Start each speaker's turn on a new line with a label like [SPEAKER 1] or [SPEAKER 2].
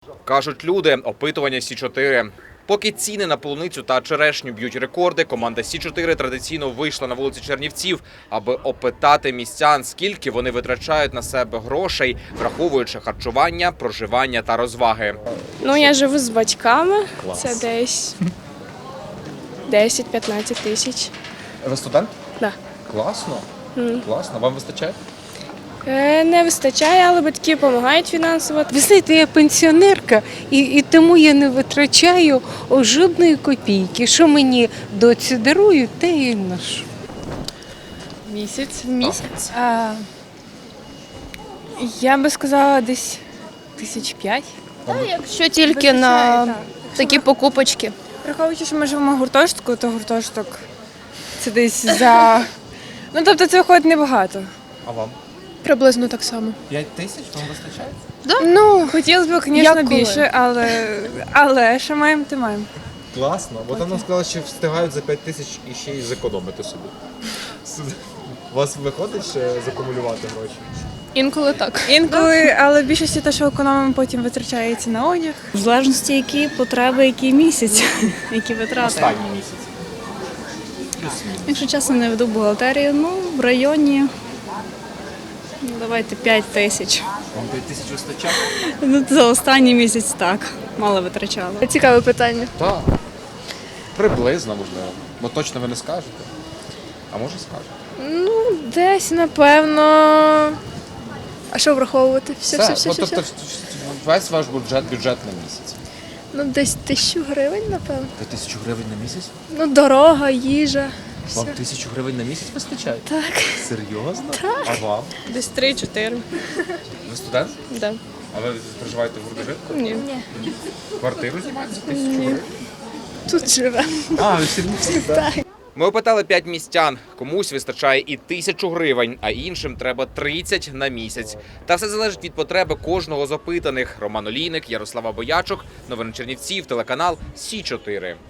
[SPEAKER 1] Кажуть люди, опитування Сі-4. Поки ціни на полуницю та черешню б'ють рекорди, команда Сі-4 традиційно вийшла на вулиці Чернівців, аби опитати містян, скільки вони витрачають на себе грошей, враховуючи харчування, проживання та розваги.
[SPEAKER 2] Ну, я живу з батьками.
[SPEAKER 1] Клас.
[SPEAKER 2] Це десь 10-15 тисяч.
[SPEAKER 1] Ви студент?
[SPEAKER 2] Да.
[SPEAKER 1] Класно. Класно. Вам вистачає?
[SPEAKER 2] Не вистачає, але батьки допомагають фінансово.
[SPEAKER 3] Ви знаєте, я пенсіонерка, і тому я не витрачаю жодної копійки. Що мені доці дарують, те і ношу.
[SPEAKER 4] Місяць.
[SPEAKER 2] Місяць.
[SPEAKER 4] Я би сказала десь 5,000.
[SPEAKER 2] Якщо тільки на такі покупочки.
[SPEAKER 4] Враховуючи, що ми живемо в гуртожитку, то гуртожиток це десь за. Ну, тобто це виходить небагато.
[SPEAKER 1] А вам?
[SPEAKER 2] Приблизно так само.
[SPEAKER 1] 5 тисяч вам вистачає?
[SPEAKER 4] Ну, хотілося б, звісно,
[SPEAKER 2] Як коли?
[SPEAKER 4] більше, але що маємо, то маємо.
[SPEAKER 1] Класно. Бо там нам сказали, що встигають за 5 тисяч і ще й зекономити собі. У вас виходить ще закумулювати гроші?
[SPEAKER 2] Інколи так.
[SPEAKER 4] Інколи, але в більшості те, що економимо, потім витрачається на одяг.
[SPEAKER 5] В залежності, які потреби, який місяць, які витрати.
[SPEAKER 1] Останній місяць.
[SPEAKER 5] Якщо чесно, не веду бухгалтерію, ну, в районі, давайте 5 тисяч.
[SPEAKER 1] Вам 5 тисяч вистачає?
[SPEAKER 5] Ну, за останній місяць так, мало витрачала.
[SPEAKER 2] Цікаве питання.
[SPEAKER 1] Так. Приблизно, можливо. Бо точно ви не скажете. А може скажете?
[SPEAKER 2] Ну, десь, напевно. А що враховувати? Все.
[SPEAKER 1] Тобто весь ваш бюджет на місяць.
[SPEAKER 2] Ну, десь 1000 гривень, напевно.
[SPEAKER 1] 1000 гривень на місяць?
[SPEAKER 2] Ну, дорога, їжа.
[SPEAKER 1] Вам 1000 гривень на місяць вистачає?
[SPEAKER 2] Так.
[SPEAKER 1] Серйозно? Так. А вам?
[SPEAKER 2] Десь 3-4.
[SPEAKER 1] Ви студент?
[SPEAKER 2] Да.
[SPEAKER 1] А ви проживаєте в гуртожитку?
[SPEAKER 2] Ні.
[SPEAKER 1] Квартиру знімаєте за 1000 гривень?
[SPEAKER 2] Тут живе.
[SPEAKER 1] А, ви всі так? Ми опитали 5 містян. Комусь вистачає і 1000 гривень, а іншим треба 30 на місяць. Та все залежить від потреби кожного з опитаних. Роман Олійник, Ярослава Боячук, новини Чернівців, телеканал Сі 4.